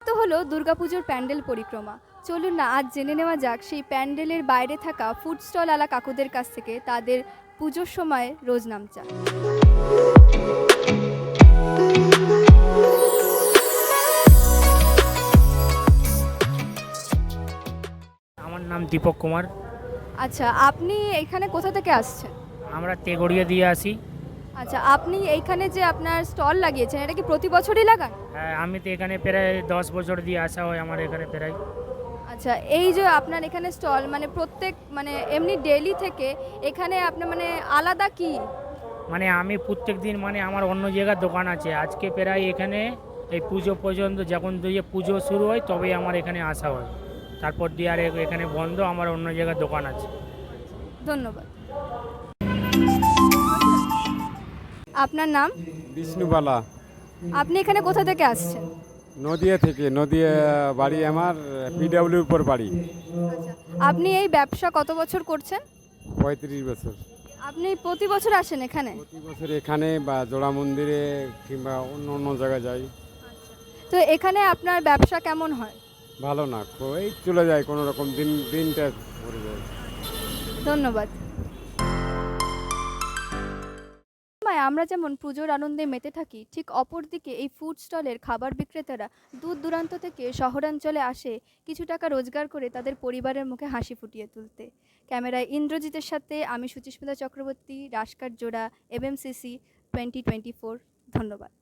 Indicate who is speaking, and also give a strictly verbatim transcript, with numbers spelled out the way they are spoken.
Speaker 1: তো হলো দুর্গাপুজোর প্যান্ডেল পরিক্রমা। চলুন না আজ জেনে নেওয়া যাক সেই প্যান্ডেলের বাইরে থাকা ফুড স্টল আলা কাকুদের কাছ থেকে তাদের পুজোর সময় রোজ নামচা।
Speaker 2: আমার নাম দীপক কুমার।
Speaker 1: আচ্ছা, আপনি এখানে কোথা থেকে আসছেন?
Speaker 2: আমরা তেগড়িয়া দিয়ে আসি।
Speaker 1: আচ্ছা, আপনি এইখানে যে আপনার স্টল লাগিয়েছেন এটা কি প্রতি বছরই লাগান?
Speaker 2: হ্যাঁ, আমি তো এখানে প্রায় দশ বছর দিয়ে আসা হয় আমার এখানে প্রায়।
Speaker 1: আচ্ছা, এই যে আপনার এখানে স্টল মানে প্রত্যেক মানে এমনি ডেইলি থেকে এখানে আপনার মানে আলাদা কি?
Speaker 2: মানে আমি প্রত্যেক দিন মানে আমার অন্য জায়গার দোকান আছে, আজকে প্রায় এখানে এই পুজো পর্যন্ত যখন দিয়ে পুজো শুরু হয় তবেই আমার এখানে আসা হয়, তারপর দিয়ে আর এখানে বন্ধ, আমার অন্য জায়গার দোকান আছে।
Speaker 1: ধন্যবাদ। আপনার নাম?
Speaker 3: বিষ্ণুবালা।
Speaker 1: আপনি এখানে কোথা থেকে আসছেন?
Speaker 3: নদিয়া থেকে। নদিয়া বাড়ি আমার, পিডাব্লিউর উপর বাড়ি।
Speaker 1: আচ্ছা, আপনি এই ব্যবসা কত বছর করছেন?
Speaker 3: পঁয়ত্রিশ বছর।
Speaker 1: আপনি প্রতি বছর আসেন এখানে?
Speaker 3: প্রতি বছর এখানে বা জোড়া মন্দিরে কিংবা অন্য অন্য জায়গায় যাই।
Speaker 1: তো এখানে আপনার ব্যবসা কেমন হয়?
Speaker 3: ভালো না, এই চলে যায় কোনো রকম, দিন দিনটা ভরে যায়।
Speaker 1: ধন্যবাদ। সময় আমরা যেমন পুজোর আনন্দে মেতে থাকি, ঠিক অপরদিকে এই ফুড স্টলের খাবার বিক্রেতারা দূর দূরান্ত থেকে শহরাঞ্চলে আসে কিছু টাকা রোজগার করে তাদের পরিবারের মুখে হাসি ফুটিয়ে তুলতে। ক্যামেরায় ইন্দ্রজিতের সাথে আমি সুচিস্মিতা চক্রবর্তী, রাজকাট জোড়া, এমএমসিসি টোয়েন্টি টোয়েন্টি ফোর। ধন্যবাদ।